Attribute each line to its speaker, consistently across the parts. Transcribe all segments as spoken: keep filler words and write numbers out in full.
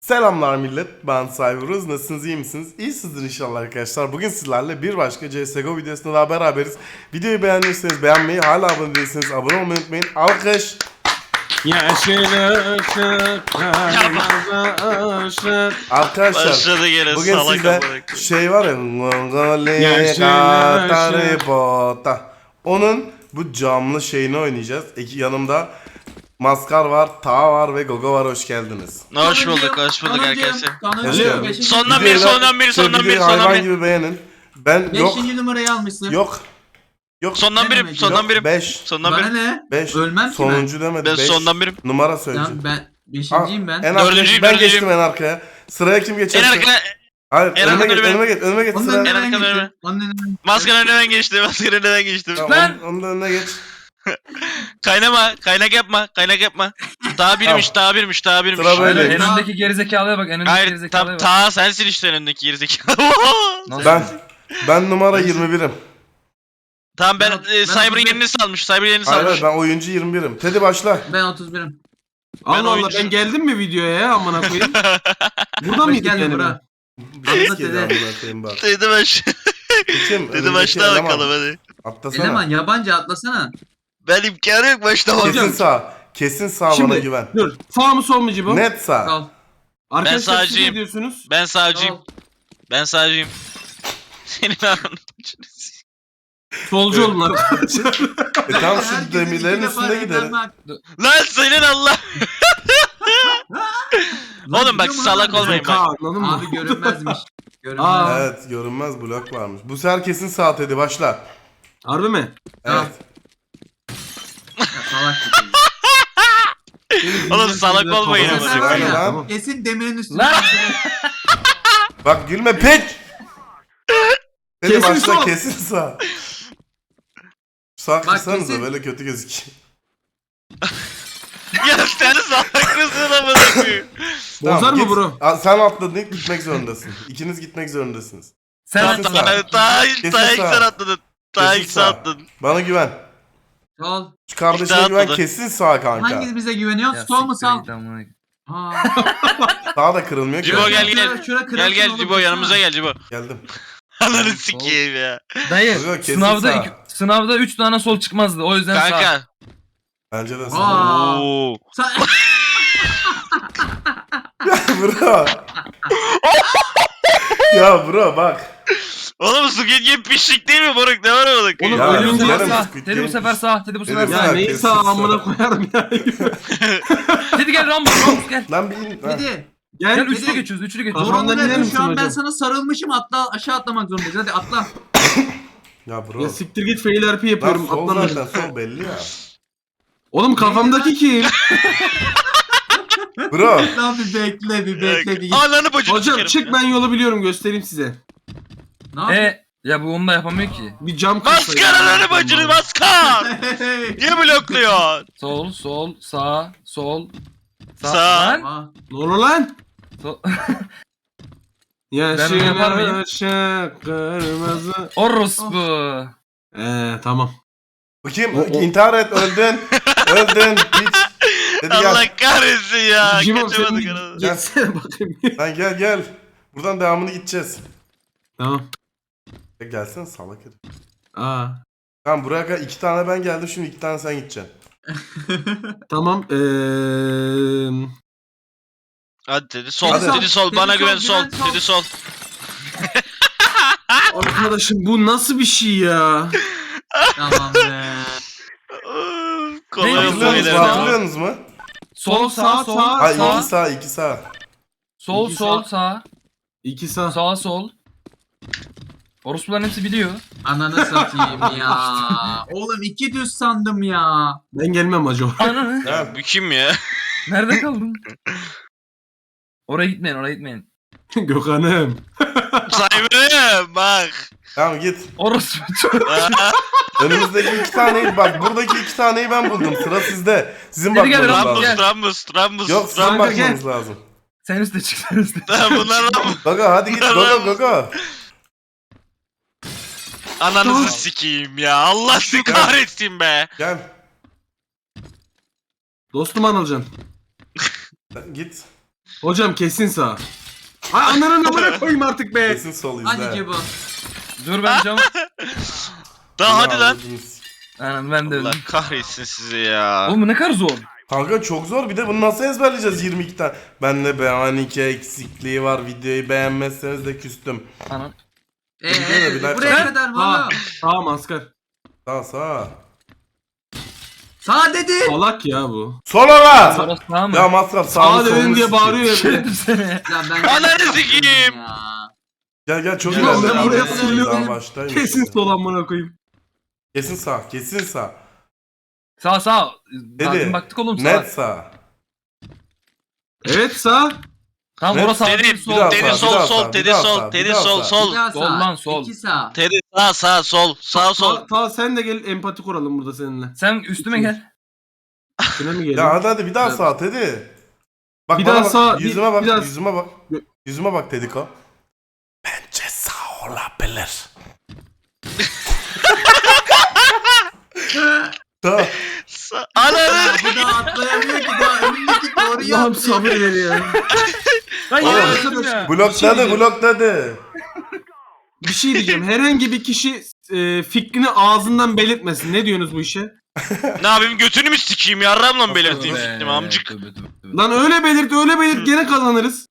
Speaker 1: Selamlar millet, ben Cyberuz. Nasılsınız, iyi misiniz? İyisinizdir inşallah arkadaşlar. Bugün sizlerle bir başka C S G O videosunda daha beraberiz. Videoyu beğendiyseniz beğenmeyi, hala abone değilseniz abone olmayı unutmayın. Alkış!
Speaker 2: Yeşil ışık, kırmızı ışık.
Speaker 1: Arkadaşlar,
Speaker 3: Başladı gene
Speaker 1: bugün
Speaker 3: salak
Speaker 1: sizde
Speaker 3: amına.
Speaker 1: şey var ya, Mongolia
Speaker 2: Yeşil
Speaker 1: Kataripota. Onun bu camlı şeyini oynayacağız. İki yanımda Maskar var, Ta var ve Gogo var. Hoş geldiniz.
Speaker 3: Hoş bulduk, hoş bulduk arkadaşlar.
Speaker 1: Geliyor.
Speaker 3: Sondan biri,
Speaker 1: Videoyu-
Speaker 3: sondan biri,
Speaker 1: şey,
Speaker 3: sondan biri,
Speaker 1: videoyu
Speaker 3: sondan
Speaker 1: hayvan
Speaker 3: biri.
Speaker 1: gibi beğenin. Ben yok,
Speaker 4: Beşinci numarayı almışsın.
Speaker 1: yok, yok.
Speaker 3: Sondan
Speaker 4: Ne
Speaker 3: biri,
Speaker 4: demek
Speaker 3: sondan
Speaker 1: yok,
Speaker 3: biri.
Speaker 1: beş.
Speaker 3: Sondan
Speaker 4: Bana
Speaker 3: biri.
Speaker 4: ne?
Speaker 1: beş.
Speaker 4: Ölmem ki ben.
Speaker 1: Sonuncu demedi.
Speaker 3: Ben
Speaker 1: beş.
Speaker 3: sondan birim.
Speaker 1: Numara söyleyeceğim.
Speaker 4: Tamam ben
Speaker 1: Aa,
Speaker 4: beşinciyim ben.
Speaker 1: En arkaya,
Speaker 3: Dördüncüyüm,
Speaker 1: ben
Speaker 3: dördüncüyüm.
Speaker 1: geçtim en arkaya. Sıraya kim geçer?
Speaker 3: En arkada,
Speaker 1: Hayır,
Speaker 3: en
Speaker 1: önüme
Speaker 3: arkada
Speaker 1: geç,
Speaker 3: benim.
Speaker 1: önüme geç, önüme geç
Speaker 4: Onun
Speaker 1: sıra.
Speaker 4: önüne ben
Speaker 3: En arkada
Speaker 4: geçtim. Onun önüne.
Speaker 3: maskanın önünden geçti, maskanın önünden geçtim.
Speaker 1: Tamam,
Speaker 2: Lan!
Speaker 1: onun, onun da önüne geç.
Speaker 3: Kaynama, kaynak yapma, kaynak yapma. Daha birmiş,
Speaker 1: Tamam.
Speaker 3: daha birmiş, daha birmiş.
Speaker 1: Sıra böyle.
Speaker 2: Aynen, en öndeki gerizekalıya bak, en öndeki
Speaker 3: Hayır,
Speaker 2: gerizekalıya
Speaker 3: tam
Speaker 2: bak.
Speaker 3: ta sensin işte önündeki gerizekalı.
Speaker 2: Nasıl?
Speaker 1: Ben, ben numara yirmi birim.
Speaker 3: Tamam ben,
Speaker 4: Ben-
Speaker 3: e,
Speaker 4: ben
Speaker 3: Cyber'ın
Speaker 4: otuz bir.
Speaker 3: yerini salmış, Cyber'ın yerini
Speaker 1: Hayır,
Speaker 3: salmış.
Speaker 1: hayır, ben oyuncu yirmi birim. Teddy başla.
Speaker 4: Ben otuz birim.
Speaker 3: Ben
Speaker 2: Allah Allah,
Speaker 3: oyuncu-
Speaker 2: ben geldim mi videoya ya, amına koyayım? Burada
Speaker 4: Hoş
Speaker 2: mıydık
Speaker 4: geldin
Speaker 2: yani?
Speaker 4: bura.
Speaker 1: Bir
Speaker 4: Atla
Speaker 1: kere
Speaker 4: Teddy.
Speaker 1: amına koyayım bak.
Speaker 3: Dedi baş.
Speaker 1: Kim?
Speaker 3: Dedi
Speaker 1: Önündeki
Speaker 3: başla
Speaker 1: eleman.
Speaker 3: bakalım hadi.
Speaker 1: Atlasana.
Speaker 4: Eleman yabancı atlasana.
Speaker 3: Ben imkanı yok başlamam.
Speaker 1: Kesin sağ. Kesin sağ,
Speaker 2: Şimdi-
Speaker 1: bana güven.
Speaker 2: Dur, sağ mı sol mu Cibo?
Speaker 1: Net sağ.
Speaker 4: Kal.
Speaker 2: Arkadaşlar siz
Speaker 3: sağcıyım.
Speaker 2: ne diyorsunuz?
Speaker 3: Ben sağcıyım.
Speaker 4: Kal.
Speaker 3: Ben sağcıyım. Senin ananı.
Speaker 2: Solcu olun arkadaşlar.
Speaker 1: E tamam, şu
Speaker 4: Herkesin
Speaker 1: demirlerin
Speaker 4: iki defa
Speaker 1: üstünde gidelim.
Speaker 4: evlenmek.
Speaker 3: Lan senin Allah.
Speaker 4: Lan
Speaker 3: Oğlum bak,
Speaker 4: biliyor musun
Speaker 3: salak
Speaker 4: lan?
Speaker 3: olmayın.
Speaker 2: Zeka, anladın mı?
Speaker 4: Abi görünmezmiş. Görünmez.
Speaker 2: Aa.
Speaker 1: Evet, görünmez blok varmış. Bu sefer kesin sağ Teddy başla.
Speaker 2: Harbi mi?
Speaker 1: Evet.
Speaker 4: Ya, salak gibi.
Speaker 3: Oğlum salak olmayın
Speaker 1: Oğlum,
Speaker 4: Bu
Speaker 3: ama.
Speaker 4: sefer var
Speaker 1: Aynen
Speaker 4: ya,
Speaker 1: lan.
Speaker 4: kesin demirin üstüne.
Speaker 2: Lan!
Speaker 1: Bak gülme piç. Teddy
Speaker 2: Kesin
Speaker 1: başla,
Speaker 2: sol.
Speaker 1: kesin sağ. Sağ
Speaker 4: Bak,
Speaker 1: kırsanıza
Speaker 4: kesin-
Speaker 1: böyle kötü gözüküyor.
Speaker 3: Ya sen salak mısın amına koyayım?
Speaker 2: Bozar mı
Speaker 1: git.
Speaker 2: bro?
Speaker 1: Aa, sen atladın, ilk gitmek zorundasın. İkiniz gitmek zorundasınız.
Speaker 2: Sen
Speaker 1: Kesin
Speaker 2: atla.
Speaker 1: sağ.
Speaker 3: Daha daha ilk
Speaker 1: Kesin
Speaker 3: daha ilk
Speaker 1: sağ.
Speaker 3: sen atladın. Daha
Speaker 1: Kesin
Speaker 3: ilk sen
Speaker 1: sağ.
Speaker 3: atladın.
Speaker 1: Bana güven.
Speaker 4: Sol.
Speaker 1: Şu kardeşine
Speaker 3: İşte
Speaker 1: güven,
Speaker 3: atladı.
Speaker 1: kesin sağ kanka.
Speaker 4: Hanginiz bize güveniyor?
Speaker 2: Ya
Speaker 4: Sol mu
Speaker 2: siktir
Speaker 4: sağ?
Speaker 2: git amına.
Speaker 4: Ha.
Speaker 1: Sağ da kırılmıyor ki.
Speaker 3: Cibo gel
Speaker 4: Şura-
Speaker 3: gel.
Speaker 4: şura
Speaker 3: Gel
Speaker 4: kırılsın
Speaker 3: gel
Speaker 4: oğlum,
Speaker 3: Cibo,
Speaker 4: baksana.
Speaker 3: yanımıza gel Cibo.
Speaker 1: Geldim.
Speaker 3: Ananı
Speaker 2: Sol.
Speaker 3: sikeyim ya.
Speaker 2: Dayı,
Speaker 1: Yok, kesin
Speaker 2: sınavda
Speaker 1: sağ.
Speaker 2: iki, sınavda üç tane sol çıkmazdı, o yüzden sağ.
Speaker 3: Kanka.
Speaker 1: Bence de sağ.
Speaker 4: Aa.
Speaker 3: Oo.
Speaker 4: Sa-
Speaker 1: Bro. Ya bro bak.
Speaker 3: Oğlum Squid Game pişlik değil mi moruk? Ne var orada?
Speaker 2: Oğlum
Speaker 1: Ya,
Speaker 2: ölüm
Speaker 1: yarım
Speaker 2: değil sağ.
Speaker 1: Squid
Speaker 2: Dedi bu
Speaker 1: Game.
Speaker 2: sefer sağ, dedi bu sefer
Speaker 1: Dedi
Speaker 2: sağ.
Speaker 1: sağ.
Speaker 2: Neyi
Speaker 1: kesin
Speaker 2: sağ
Speaker 1: sağ.
Speaker 2: amına koyarım ya.
Speaker 1: Şey-
Speaker 2: Dedi gel Rambo, Rambo gel.
Speaker 1: Lan bir in. Ha.
Speaker 4: Hadi.
Speaker 2: Gel
Speaker 4: Gel,
Speaker 2: üçlü
Speaker 4: dedi.
Speaker 2: geçiyoruz, üçlü geçiyoruz.
Speaker 4: Zorunda
Speaker 2: Rambo
Speaker 4: değilim,
Speaker 2: gider misin
Speaker 4: şu an ben
Speaker 2: hocam?
Speaker 4: sana sarılmışım, atla aşağı atlamak zorundayız. Hadi atla.
Speaker 1: Ya bro.
Speaker 2: Ya siktir git, fail R P
Speaker 1: Lan
Speaker 2: yapıyorum,
Speaker 1: sol
Speaker 2: atlamıyorum.
Speaker 1: zaten, sol belli ya.
Speaker 2: Oğlum kafamdaki kim?
Speaker 1: Bro.
Speaker 4: Lan bir bekle bir bekle bir.
Speaker 3: Ananı bacını
Speaker 2: Hocam
Speaker 3: sikerim
Speaker 2: çık,
Speaker 3: ya.
Speaker 2: ben yolu biliyorum, göstereyim size.
Speaker 4: Ne yapıyorsun?
Speaker 2: E ya bu onu da yapamıyor ki.
Speaker 1: E,
Speaker 2: Bir cam
Speaker 3: Maskar ananı bacını maskar. Niye blokluyor?
Speaker 2: Sol, sol, sağ, sol.
Speaker 3: Sağ.
Speaker 2: Lan.
Speaker 4: Aa,
Speaker 2: Ne olur lan?
Speaker 4: Ee,
Speaker 2: Sol. Yaşın Ben yapar mıyım? aşık kırmızı.
Speaker 1: Oh.
Speaker 2: Orospu. Eee tamam.
Speaker 1: Bakayım,
Speaker 2: O- o-
Speaker 1: intihar et, öldün. Öldün. Hiç. Dedi gel.
Speaker 3: Allah kahretsin ya.
Speaker 2: Cimom
Speaker 3: Kaçamadık
Speaker 2: sen
Speaker 3: anasını.
Speaker 2: geçsene bakayım.
Speaker 1: Lan gel gel. Buradan devamını gideceğiz.
Speaker 2: Tamam.
Speaker 1: Ya gelsene salak herif.
Speaker 2: Aa.
Speaker 1: Tamam, buraya kadar iki tane ben geldim, şimdi iki tane sen gideceksin.
Speaker 2: Tamam. Eee.
Speaker 3: Hadi dedi sol,
Speaker 1: Hadi.
Speaker 3: dedi sol,
Speaker 4: Dedi
Speaker 3: bana
Speaker 4: sol,
Speaker 3: güven sol,
Speaker 4: güven sol.
Speaker 3: dedi sol.
Speaker 2: Arkadaşım bu nasıl bir şey ya?
Speaker 4: tamam be.
Speaker 3: Kolay
Speaker 2: Ne
Speaker 3: olsun
Speaker 1: Hatırlıyorsunuz mu?
Speaker 3: beyler.
Speaker 1: Hatırlıyorsunuz mu?
Speaker 2: Sol, sağ, sol,
Speaker 1: Ha,
Speaker 2: sağ.
Speaker 1: iki sağ, iki sağ.
Speaker 2: Sol,
Speaker 4: İki
Speaker 2: sol,
Speaker 4: sağ.
Speaker 2: sağ.
Speaker 4: İki
Speaker 2: sağ. Sağ, sol. Orospuların hepsi biliyor.
Speaker 4: Ananı satayım ya. Oğlum iki düz sandım ya.
Speaker 2: Ben gelmem acı.
Speaker 1: Gel.
Speaker 2: Ananı.
Speaker 3: Ya, bu kim ya?
Speaker 2: Nerede kaldın? Oraya gitmeyin, oraya gitmeyin. Gökhan'ım.
Speaker 3: Cyber'ım bak.
Speaker 1: Tamam git.
Speaker 2: Orospu.
Speaker 1: Önümüzdeki iki taneyi, bak buradaki iki taneyi ben buldum. Sıra sizde. Sizin
Speaker 2: Geri gel,
Speaker 1: bakmanız
Speaker 2: Rambo,
Speaker 1: lazım.
Speaker 2: gel.
Speaker 3: Rambus, Rambus, Rambus.
Speaker 1: Yok, sizin
Speaker 2: Kanka,
Speaker 1: bakmanız lazım.
Speaker 2: Sen üstte çık, sen üstte.
Speaker 3: Lan bunlar Rambus.
Speaker 1: Gogo hadi git, Gogo Gogo.
Speaker 3: Ananızı sikeyim ya. Allah sizi kahretsin be.
Speaker 1: Gel.
Speaker 2: Dostum Anılcan.
Speaker 1: Sen git.
Speaker 5: Hocam kesin sağ. Ay ananın amına koyayım artık be.
Speaker 1: Kesin sol izle.
Speaker 4: Hadi Cebo.
Speaker 2: Dur ben cam.
Speaker 3: Daha hadi lan.
Speaker 1: Anladınız.
Speaker 2: Aynen ben de
Speaker 3: Allah
Speaker 2: öldüm.
Speaker 3: kahretsin sizi ya.
Speaker 2: Oğlum bu ne kadar zor.
Speaker 1: Kanka çok zor, bir de bunu nasıl ezberleyeceğiz yirmi iki tane. Bende B on iki eksikliği var, videoyu beğenmezseniz de küstüm.
Speaker 2: Anan.
Speaker 4: Eee
Speaker 1: Gidiyor da bir dakika.
Speaker 4: buraya kadar
Speaker 5: Ha,
Speaker 4: valla.
Speaker 5: sağ maskar.
Speaker 1: Sağ sağ.
Speaker 4: Sağ dedi.
Speaker 5: Salak ya bu.
Speaker 1: Sola lan!
Speaker 2: Sonra sağ mı?
Speaker 1: Ya masraf
Speaker 5: Sağ
Speaker 1: sağını
Speaker 5: dedin
Speaker 1: solunu
Speaker 5: diye
Speaker 1: sikeyim.
Speaker 5: bağırıyor ya.
Speaker 2: Şey seni.
Speaker 4: Lan ben
Speaker 3: Ananı sikeyim.
Speaker 4: Ya.
Speaker 1: Gel gel çok
Speaker 5: Ya
Speaker 1: ileride.
Speaker 5: ben
Speaker 1: Daha
Speaker 5: buraya
Speaker 1: baştayım,
Speaker 5: söylüyorum.
Speaker 1: daha baştayım.
Speaker 5: Kesin sol amına koyayım.
Speaker 1: Kesin sağ, kesin sağ.
Speaker 2: Sağ sağ. Daha
Speaker 1: Dedi.
Speaker 2: dün baktık oğlum sağ.
Speaker 1: Net sağ.
Speaker 5: Evet sağ.
Speaker 2: Tamam
Speaker 1: Net.
Speaker 2: orası sağ
Speaker 3: Teddy,
Speaker 2: değil
Speaker 1: Bir
Speaker 2: sol.
Speaker 1: daha
Speaker 3: Teddy
Speaker 1: sağ, bir
Speaker 3: sol
Speaker 1: daha
Speaker 3: sol,
Speaker 1: sağ, bir
Speaker 3: Teddy
Speaker 1: daha
Speaker 3: sol,
Speaker 1: sağ, bir
Speaker 3: Teddy
Speaker 1: daha
Speaker 3: sol
Speaker 1: sağ.
Speaker 3: sol.
Speaker 4: Bir daha
Speaker 2: Sol
Speaker 4: sağ.
Speaker 2: lan, sol.
Speaker 4: İki sağ.
Speaker 3: Teddy sağ sağ sol, sağ sol.
Speaker 5: Ta, ta sen de gel empati kuralım burada seninle.
Speaker 2: Sen üstüme gel.
Speaker 5: Üstüne mi
Speaker 1: Ya
Speaker 5: geliyor?
Speaker 1: hadi hadi bir daha
Speaker 4: Evet.
Speaker 1: sağ Teddy. Bak
Speaker 5: Bir
Speaker 1: bana
Speaker 5: daha
Speaker 1: bak,
Speaker 5: sağ, bir-
Speaker 1: yüzüme bak,
Speaker 5: bir daha-
Speaker 1: yüzüme bak. Yüzüme bak Tediko. Bence sağ olabilir. Sağ.
Speaker 3: Sa- Ananı
Speaker 4: Bu da atlayamıyor ki daha önündeki doğru
Speaker 5: Allah'ım
Speaker 4: yaptı.
Speaker 5: sabır ver ya.
Speaker 2: Lan
Speaker 1: Oğlum,
Speaker 2: yine öldüm ya.
Speaker 1: Blokladı
Speaker 5: diyeceğim.
Speaker 1: blokladı.
Speaker 5: Bir şey diyeceğim. Herhangi bir kişi e, fikrini ağzından belirtmesin. Ne diyorsunuz bu işe?
Speaker 3: ne yapayım götünü mü sikeyim yarramla mı belirteyim
Speaker 2: Be,
Speaker 3: fikrimi amcık.
Speaker 2: tövbe, tövbe, tövbe.
Speaker 5: Lan öyle belirt öyle belirt gene kazanırız.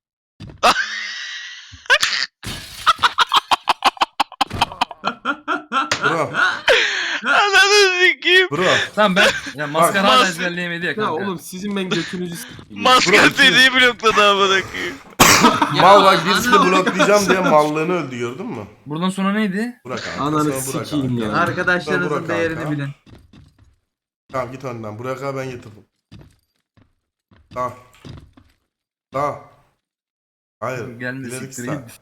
Speaker 1: Bro,
Speaker 3: Ananı sikeyim.
Speaker 1: bro.
Speaker 2: Tamam ben ya maskara hala
Speaker 3: Mas-
Speaker 2: ezberleyemedi ya
Speaker 5: Ya
Speaker 2: kanka.
Speaker 5: oğlum sizin ben götünüzü s**eyim.
Speaker 3: Maskar
Speaker 1: Bırak.
Speaker 3: Teddy'yi blokladı amına koyayım.
Speaker 4: Ya,
Speaker 1: Mal bak birisini
Speaker 4: ana-
Speaker 1: bloklayacağım diye mallığını öldü gördün mü?
Speaker 2: Buradan sonra neydi?
Speaker 1: Burak abi.
Speaker 5: Ananı
Speaker 1: sonra Burak
Speaker 5: sikeyim
Speaker 1: abi.
Speaker 5: ya.
Speaker 1: Sonra
Speaker 4: Arkadaşlarınızın
Speaker 1: Burak
Speaker 4: değerini
Speaker 1: abi.
Speaker 4: bilin.
Speaker 1: Tamam git önden. Burak abi ben getirdim. Tamam. Tamam. Hayır.
Speaker 2: Gelme
Speaker 1: ileri
Speaker 2: siktir
Speaker 1: sağ.
Speaker 2: git.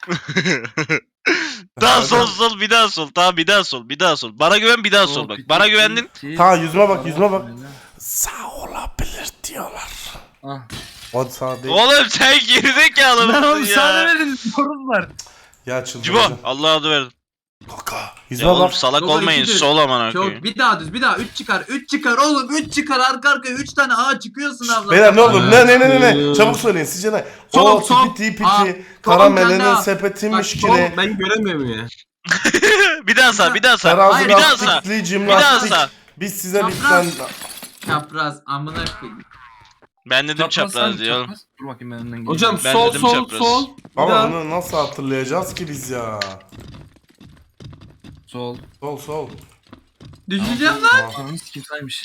Speaker 3: daha
Speaker 1: Hadi.
Speaker 3: sol sol bir daha sol. Tamam bir daha sol bir daha sol. Bana güven bir daha sol bak. Bana güvendin.
Speaker 1: Tamam yüzüme bak yüzüme bak. Sağ olabilir diyorlar.
Speaker 2: Ah.
Speaker 1: O sağ değil.
Speaker 3: Oğlum sen gerizekalı
Speaker 2: Lan oğlum
Speaker 3: mısın
Speaker 2: sağ
Speaker 3: ya?
Speaker 2: demedin. Sorun var.
Speaker 1: Ya
Speaker 3: Cibo
Speaker 1: çıldıracağım.
Speaker 3: Allah adı verdim.
Speaker 1: Kaka.
Speaker 3: Ya
Speaker 1: Yüzüme
Speaker 3: oğlum
Speaker 1: bak.
Speaker 3: salak
Speaker 4: Baba,
Speaker 3: olmayın
Speaker 4: ikidir.
Speaker 3: sol amına koyayım.
Speaker 4: Çok bir daha düz bir daha üç çıkar üç çıkar oğlum üç çıkar arka arkaya üç tane A çıkıyorsun abla.
Speaker 1: Beyler ne olur ne ne ne ne ne
Speaker 5: Evet.
Speaker 1: çabuk söyleyin sizce ne?
Speaker 5: Sol,
Speaker 1: O
Speaker 5: sol.
Speaker 1: tipiti
Speaker 4: Aa,
Speaker 1: piti
Speaker 4: sol
Speaker 1: karamelinin
Speaker 4: kanda.
Speaker 1: sepetinmiş
Speaker 4: Bak,
Speaker 5: Oğlum
Speaker 1: kine.
Speaker 5: ben göremiyorum ya.
Speaker 3: bir daha sağ bir daha sağ.
Speaker 1: Terazi
Speaker 4: Hayır,
Speaker 3: bir daha sağ.
Speaker 1: lastikli
Speaker 3: Bir daha
Speaker 1: cimnastik.
Speaker 3: sağ.
Speaker 1: Biz size
Speaker 4: Çapraz.
Speaker 1: bitten...
Speaker 4: Çapraz amına koyayım.
Speaker 3: Ben dedim çapraz
Speaker 2: sen,
Speaker 3: diyor oğlum.
Speaker 2: çapraz. Dur bakayım ben önden geleyim.
Speaker 5: Hocam
Speaker 3: Ben
Speaker 5: sol
Speaker 3: dedim
Speaker 5: sol
Speaker 3: çapraz.
Speaker 5: sol. Bir
Speaker 1: Ama
Speaker 5: daha.
Speaker 1: onu nasıl hatırlayacağız ki biz ya?
Speaker 2: Sol.
Speaker 1: Sol sol.
Speaker 4: Düşeceğim lan.
Speaker 2: Ananı sikeyim saymış.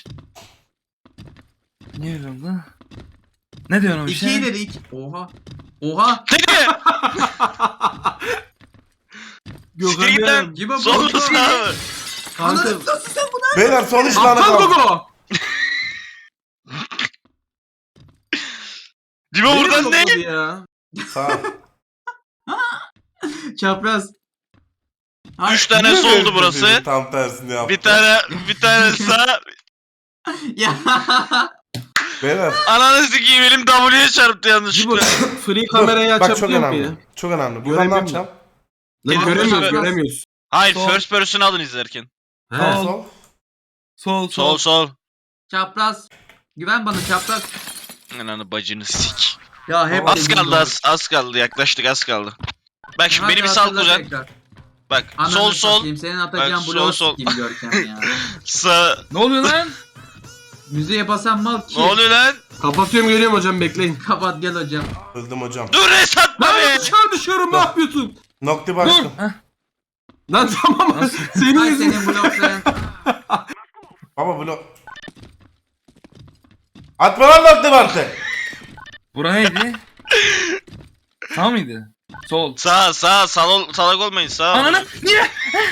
Speaker 2: Niye öyle oldu? Ne diyorsun o
Speaker 4: İki
Speaker 2: işe?
Speaker 4: ileri iki. Oha. Oha.
Speaker 3: Teddy! Siktir git lan.
Speaker 4: Cibo
Speaker 3: Sol
Speaker 4: bu.
Speaker 3: sağ mı?
Speaker 5: Kanka.
Speaker 4: Ananı nasıl sen bunu?
Speaker 1: Beyler son üç tane
Speaker 5: Aptal
Speaker 1: kaldı.
Speaker 5: Gogo.
Speaker 3: Cibo
Speaker 5: Niye
Speaker 3: buradan
Speaker 5: blokladı
Speaker 3: ne?
Speaker 5: ya?
Speaker 1: Sağ.
Speaker 4: Çapraz. Ay,
Speaker 3: Üç tane
Speaker 1: Niye
Speaker 3: soldu
Speaker 1: böyle
Speaker 3: burası.
Speaker 1: dediğini Tam tersini yaptı.
Speaker 3: Bir tane bir tane sağ.
Speaker 4: Ya.
Speaker 1: Beyler.
Speaker 3: Ananı sikeyim elim W'ye çarptı
Speaker 5: Cibo
Speaker 3: yanlışlıkla.
Speaker 5: free
Speaker 1: Dur,
Speaker 5: kamerayı
Speaker 1: bak çok
Speaker 5: açabiliyor mu
Speaker 1: önemli.
Speaker 5: ya?
Speaker 1: Çok önemli. Buradan ne
Speaker 5: Göremiyorum.
Speaker 1: yapacağım?
Speaker 5: Lan
Speaker 3: Cibo,
Speaker 5: göremiyoruz
Speaker 3: Cibo.
Speaker 5: göremiyoruz.
Speaker 3: Hayır
Speaker 2: Sol.
Speaker 3: first person alın izlerken.
Speaker 5: He.
Speaker 1: Sol sol.
Speaker 2: Sol
Speaker 3: Sol sol.
Speaker 4: Çapraz. Güven bana çapraz.
Speaker 3: Ananı bacını sik.
Speaker 4: Ya hep
Speaker 3: Az
Speaker 4: dediğim
Speaker 3: kaldı
Speaker 4: doğru.
Speaker 3: az, az kaldı yaklaştık az kaldı. Bak şimdi
Speaker 4: Hadi
Speaker 3: beni bir sal
Speaker 4: hatırla
Speaker 3: kuzen.
Speaker 4: tekrar.
Speaker 3: Bak
Speaker 4: Ananı
Speaker 3: sol sol
Speaker 4: satayım, senin atacağın
Speaker 3: Bak, sol,
Speaker 4: bloğu
Speaker 3: sol.
Speaker 4: sikeyim Görkem ya.
Speaker 3: sağ.
Speaker 2: Ne oluyor lan?
Speaker 4: Müziğe basan mal ki.
Speaker 3: Ne oluyor lan?
Speaker 5: Kapatıyorum geliyorum hocam bekleyin.
Speaker 4: Kapat gel hocam.
Speaker 1: Öldüm hocam.
Speaker 3: Dur resatma
Speaker 5: Lan
Speaker 3: be.
Speaker 5: dışarı düşüyorum ne yapıyorsun?
Speaker 1: Nokti
Speaker 2: Dur.
Speaker 1: başlı.
Speaker 2: Heh.
Speaker 5: Lan tamam
Speaker 2: Nasıl?
Speaker 5: senin
Speaker 4: Ay
Speaker 5: yüzünden.
Speaker 4: senin blokların.
Speaker 1: Baba blok. Atma lan nokti başlı.
Speaker 2: Bura neydi? Sağ mıydı? Sol.
Speaker 3: Sağ sağ sal salak olmayın sağ.
Speaker 2: Ananı niye?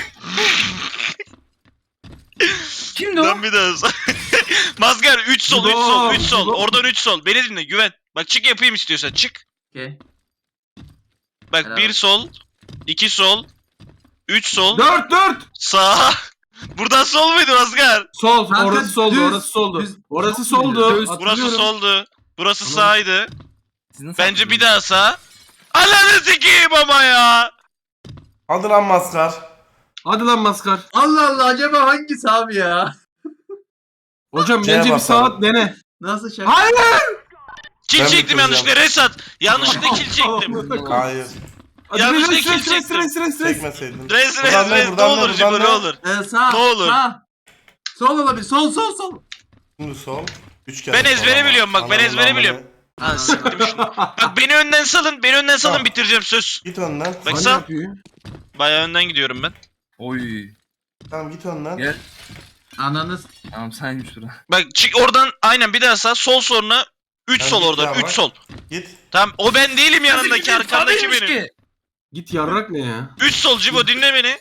Speaker 2: Kimdi o?
Speaker 3: Lan bir daha sağ. Maskar üç sol üç sol üç sol.
Speaker 5: Cibo.
Speaker 3: Oradan üç sol. Beni dinle güven. Bak çık yapayım istiyorsan çık.
Speaker 4: Okey.
Speaker 3: Bak
Speaker 4: Helal.
Speaker 3: bir sol. iki sol. Üç sol.
Speaker 5: Dört dört.
Speaker 3: Sağ. Buradan sol muydu Maskar?
Speaker 5: Sol
Speaker 4: Kanka,
Speaker 5: orası soldu
Speaker 4: düz,
Speaker 5: orası soldu.
Speaker 4: düz.
Speaker 5: Orası
Speaker 4: Düz.
Speaker 5: soldu.
Speaker 2: Düz.
Speaker 3: Burası
Speaker 5: Hatırlıyorum.
Speaker 3: soldu. Burası
Speaker 5: Tamam.
Speaker 3: sağydı.
Speaker 2: Siz nasıl
Speaker 3: Bence bir
Speaker 2: yaptınız?
Speaker 3: daha sağ. Ananı sikeyim ama ya.
Speaker 1: Hadi lan maskar.
Speaker 5: Hadi lan maskar.
Speaker 4: Allah Allah acaba hangisi abi ya?
Speaker 5: Hocam
Speaker 1: C'ye
Speaker 5: bence bir
Speaker 1: basalım.
Speaker 5: saat dene.
Speaker 4: Nasıl şaka?
Speaker 5: Hayır.
Speaker 3: Kill
Speaker 1: Ben
Speaker 3: çektim
Speaker 1: bitireceğim.
Speaker 3: yanlışlıkla Resat. Yanlışlıkla kill çektim.
Speaker 1: Hayır.
Speaker 5: Hadi
Speaker 3: Yanlış
Speaker 5: res,
Speaker 3: tekil
Speaker 5: res, res,
Speaker 3: çektim.
Speaker 5: res, res, res.
Speaker 1: Çekmeseydin.
Speaker 3: Res res
Speaker 1: Buradan ne,
Speaker 3: res ne
Speaker 1: buradan ne,
Speaker 3: olur
Speaker 1: buradan
Speaker 3: Cibo
Speaker 1: ne?
Speaker 3: ne olur.
Speaker 4: Ee, sağ.
Speaker 3: Ne olur.
Speaker 4: Sağ. Sol olabilir. Sol sol sol.
Speaker 1: Şimdi sol. Üç kere
Speaker 3: Ben
Speaker 1: sol
Speaker 3: ezbere
Speaker 1: ama.
Speaker 3: biliyorum bak, ben
Speaker 1: Ananı
Speaker 3: ezbere
Speaker 1: amını.
Speaker 3: biliyorum. Ha siktim şunu. Bak beni önden salın, beni önden salın
Speaker 1: Tamam.
Speaker 3: bitireceğim söz.
Speaker 1: Git önden.
Speaker 3: Bak
Speaker 5: Hani
Speaker 3: sağ.
Speaker 5: yapıyor?
Speaker 3: Bayağı önden gidiyorum ben.
Speaker 2: Oy.
Speaker 1: Tamam git önden.
Speaker 2: Gel.
Speaker 4: Ananız.
Speaker 2: Tamam sen şura.
Speaker 3: Bak çık oradan aynen bir daha sağ, sol sonra üç
Speaker 1: Ben
Speaker 3: sol
Speaker 1: git
Speaker 3: oradan,
Speaker 1: ya
Speaker 3: üç
Speaker 1: bak.
Speaker 3: sol.
Speaker 1: Git.
Speaker 3: Tamam o ben değilim yanındaki, arkandaki
Speaker 2: Değilmiş
Speaker 3: benim.
Speaker 2: ki.
Speaker 5: Git yarrak ne ya?
Speaker 3: üç sol Cibo dinle beni.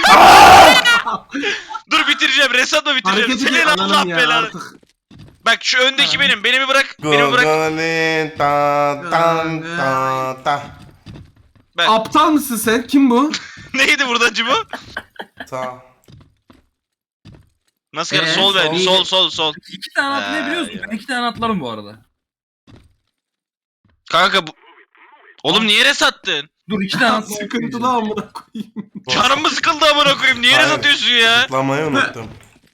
Speaker 3: Dur bitireceğim, Resat'la bitireceğim.
Speaker 5: Hareketi
Speaker 3: Senin
Speaker 5: bir
Speaker 3: Allah
Speaker 5: ananım ya
Speaker 3: belanı.
Speaker 5: artık.
Speaker 3: Bak şu öndeki benim, beni bir bırak, beni bir bırak.
Speaker 1: Gogolin ta tan ta ta.
Speaker 3: Bak
Speaker 5: Aptal mısın sen? Kim bu?
Speaker 3: neydi burada Cibo?
Speaker 1: Sağ.
Speaker 3: Nasıl yani
Speaker 4: Ee,
Speaker 3: sol ver,
Speaker 4: sol.
Speaker 3: sol sol sol.
Speaker 2: İki tane atlayabiliyorsun.
Speaker 3: ya.
Speaker 2: Ben iki tane atlarım bu arada.
Speaker 3: Kanka bu... Oğlum niye resattın?
Speaker 2: Dur iki tane atlayabiliyorum.
Speaker 5: Sıkıntılı amına koyayım.
Speaker 3: Canım mı sıkıldı amına koyayım? Niye
Speaker 1: Hayır.
Speaker 3: resatıyorsun ya?
Speaker 1: Zıplamayı unuttum.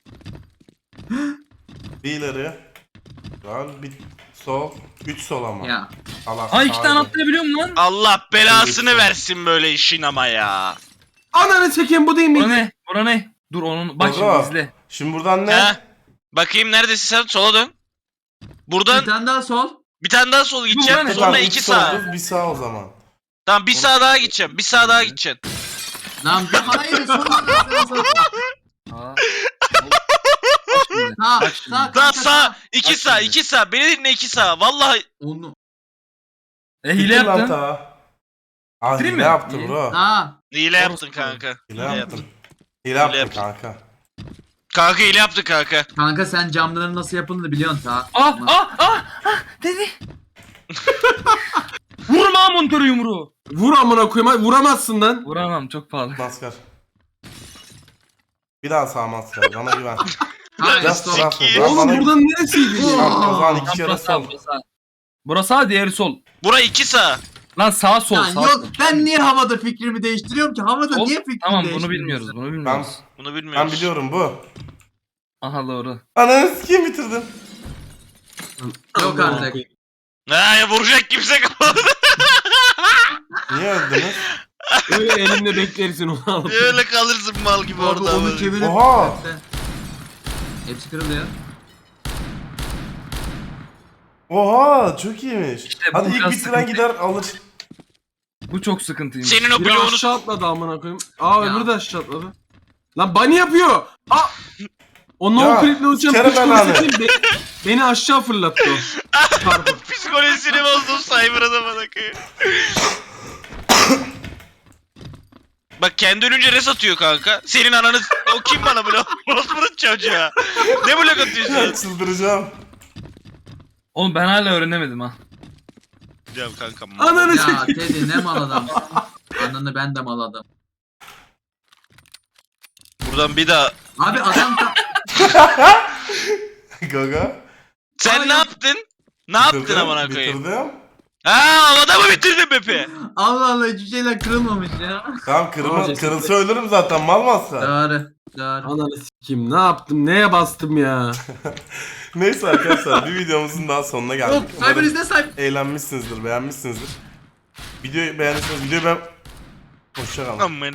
Speaker 1: Bir ileri. Güzel. Bir sol. Üç sol ama.
Speaker 4: Ya.
Speaker 1: Allah
Speaker 2: Ha iki tane
Speaker 1: kahretsin.
Speaker 2: atlayabiliyorum lan.
Speaker 3: Allah belasını
Speaker 1: Evet.
Speaker 3: versin böyle işin ama ya.
Speaker 5: Ananı çekeyim bu değil
Speaker 2: Bura
Speaker 5: mi?
Speaker 2: ne? Bura ne? Dur onun bak
Speaker 1: Baba.
Speaker 2: şimdi izle.
Speaker 1: Şimdi buradan ne?
Speaker 3: Ha? Bakayım neredesin sen? Sola dön.
Speaker 4: Bir
Speaker 3: Buradan
Speaker 4: tane daha sol.
Speaker 3: bir tane daha sol gideceğim.
Speaker 2: Buradan ne?
Speaker 3: Sonra
Speaker 1: Buradan
Speaker 3: iki
Speaker 1: üç
Speaker 3: sağ.
Speaker 1: sol, Bir sağ o zaman.
Speaker 3: Tamam bir sağ daha gideceğim. Bir sağ daha gideceksin.
Speaker 4: Lan bir hayır sol. Sol sol.
Speaker 2: Ha. Bak şimdi.
Speaker 4: Sağ.
Speaker 2: Bak şimdi.
Speaker 4: Sağ.
Speaker 3: Daha
Speaker 4: kanka,
Speaker 3: sağ. iki
Speaker 2: Bak
Speaker 3: sağ.
Speaker 2: şimdi.
Speaker 3: iki sağ. Beni dinle iki sağ. Vallahi.
Speaker 4: Onu.
Speaker 2: E hile
Speaker 1: Bitir lan
Speaker 2: yaptın.
Speaker 1: ta. Aa
Speaker 2: Bitireyim
Speaker 1: hile
Speaker 2: mi?
Speaker 1: yaptı
Speaker 2: İyi.
Speaker 1: bro.
Speaker 4: Sağ.
Speaker 3: Hile yaptın
Speaker 2: Orospu.
Speaker 3: kanka.
Speaker 1: Hile yaptın. Hile yaptın
Speaker 3: yaptın.
Speaker 1: kanka.
Speaker 3: Kanka hile yaptın kanka.
Speaker 4: Kanka sen camların nasıl yapıldığını biliyorsun ta.
Speaker 2: Ah ah ah ah dedi. Vurma montörü yumruğu.
Speaker 5: Vur amına koyayım. hadi vuramazsın lan.
Speaker 2: Vuramam çok pahalı.
Speaker 1: Maskar. Bir daha sağ maskar. Bana güven.
Speaker 4: Hayır
Speaker 1: Just
Speaker 4: sol.
Speaker 1: trust me.
Speaker 3: Sikiyim.
Speaker 1: Bana-
Speaker 5: Oğlum
Speaker 1: bana-
Speaker 5: buradan neresiydi ya?
Speaker 1: Tamam, o zaman iki
Speaker 2: Lan
Speaker 1: kere
Speaker 2: burası sağ,
Speaker 1: sol.
Speaker 2: burası sağ. Burası sağ, diğeri sol.
Speaker 3: Bura iki sağ.
Speaker 2: Lan sağ sol
Speaker 4: Lan
Speaker 2: sağ
Speaker 4: yok
Speaker 2: sol.
Speaker 4: ben niye havada fikrimi değiştiriyorum ki? Havada
Speaker 2: Sol.
Speaker 4: niye fikrimi
Speaker 2: Tamam bunu
Speaker 4: değiştiriyorsun?
Speaker 2: bilmiyoruz bunu
Speaker 1: Ben,
Speaker 2: bilmiyoruz.
Speaker 3: Bunu bilmiyoruz.
Speaker 1: ben biliyorum bu.
Speaker 2: Aha doğru.
Speaker 1: Ananı sikeyim bitirdim.
Speaker 4: Yok artık.
Speaker 3: Ha ya vuracak kimse kalmadı.
Speaker 1: Niye öldünüz?
Speaker 5: Öyle elimle beklersin onu alıp.
Speaker 3: Öyle kalırsın mal gibi
Speaker 4: Orada
Speaker 3: orada.
Speaker 4: onu çevirip.
Speaker 1: Oha!
Speaker 4: Hepsi kırılıyor.
Speaker 1: Oha çok iyiymiş.
Speaker 2: İşte bu
Speaker 1: Hadi ilk
Speaker 2: biraz
Speaker 1: bitiren
Speaker 2: sıkıntı.
Speaker 1: gider alır.
Speaker 2: Bu çok sıkıntıymış.
Speaker 3: Senin o
Speaker 5: Biri
Speaker 3: bloğunu
Speaker 5: aşağı atladı amına koyayım. Aa
Speaker 4: Ya.
Speaker 5: öbürü de aşağı atladı. Lan bunny yapıyor. Aa! O no
Speaker 1: Ya,
Speaker 5: clip'le uçan
Speaker 1: sikerim
Speaker 5: piç
Speaker 1: ben
Speaker 5: polisi
Speaker 1: abi.
Speaker 5: kim? Be- beni aşağı fırlattı o. Çarpı.
Speaker 3: psikolojisini bozdum Cyber'a da bana koyayım. Bak kendi ölünce res atıyor kanka. Senin ananı o kim bana blok? Orospu'nun çocuğa. Ne blok atıyorsun?
Speaker 1: Çıldıracağım.
Speaker 2: Oğlum ben hala öğrenemedim ha.
Speaker 3: Ya kanka.
Speaker 5: Ananı
Speaker 4: Ya
Speaker 5: çekeyim.
Speaker 4: Teddy ne mal adamsın. Ananı ben de mal adam.
Speaker 3: Buradan bir daha.
Speaker 4: Abi adam ta-
Speaker 1: Gaga.
Speaker 3: Sen
Speaker 4: Ay,
Speaker 3: ne yaptın? Ne yaptın
Speaker 1: Bitirdim,
Speaker 3: amına koyayım?
Speaker 1: Bitirdim.
Speaker 3: Ha havada mı bitirdin Bepi?
Speaker 4: Allah Allah hiçbir şeyler kırılmamış ya.
Speaker 1: Tamam kırma,
Speaker 5: Aa,
Speaker 1: kırılsa ölürüm zaten mal masa.
Speaker 4: Doğru. Doğru.
Speaker 5: Ananı sikeyim. Ne yaptım? Neye bastım ya?
Speaker 1: Neyse arkadaşlar bir videomuzun daha sonuna geldik.
Speaker 4: Yok Cyber
Speaker 1: Umarım
Speaker 4: izle Cyber.
Speaker 1: eğlenmişsinizdir, beğenmişsinizdir. Videoyu beğendiyseniz videoyu ben... Hoşçakalın.
Speaker 3: Aman.